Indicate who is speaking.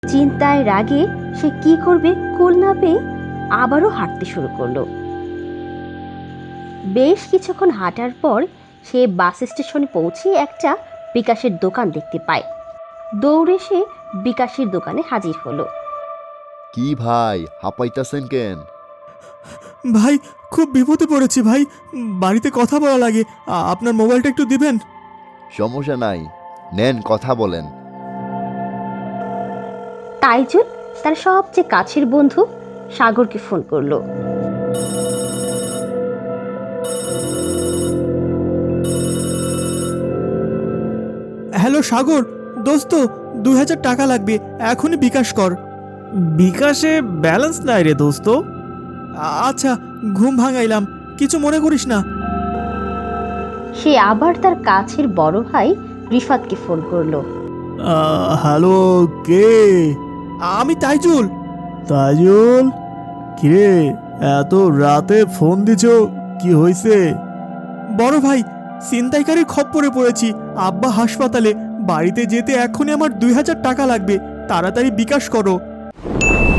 Speaker 1: চিন্তায় রাগে সে কি করবে কুল না পেয়ে আবারও হাঁটতে শুরু করলো। বেশ কিছুক্ষণ হাঁটার পর সে বাস স্টেশনে পৌঁছে একটা বিকাশের দোকান দেখতে পায়। দৌড়ে সে বিকাশের দোকানে হাজির হলো।
Speaker 2: কি ভাই, হাঁপাইতাছেন কেন?
Speaker 3: ভাই, খুব বিপদে পড়েছি ভাই, বাড়িতে কথা বলা লাগে। আপনার মোবাইলটা একটু দিবেন?
Speaker 2: সমস্যা নাই, নেন কথা বলেন।
Speaker 1: তাইজুল তার সবচেয়ে কাছের বন্ধু সাগরকে ফোন করলো।
Speaker 3: হ্যালো সাগর, দোস্ত, 2000 টাকা লাগবে, এখনই বিকাশ কর।
Speaker 4: বিকাশে ব্যালেন্স নাই রে দোস্ত।
Speaker 3: আচ্ছা, ঘুম ভাঙাইলাম, কিছু মনে করিস না।
Speaker 1: সে আবার তার কাছের বড় ভাই রিফাতকে ফোন করলো।
Speaker 4: হ্যালো, কে?
Speaker 3: আমি তাইজুল।
Speaker 4: তাজুল, কিরে এত রাতে ফোন দিছ, কি হয়েছে?
Speaker 3: বড় ভাই, ছিনতাইকারীর খপ্পরে পড়েছি, আব্বা হাসপাতালে, বাড়িতে যেতে এখনই আমার 2000 টাকা লাগবে, তাড়াতাড়ি বিকাশ করো।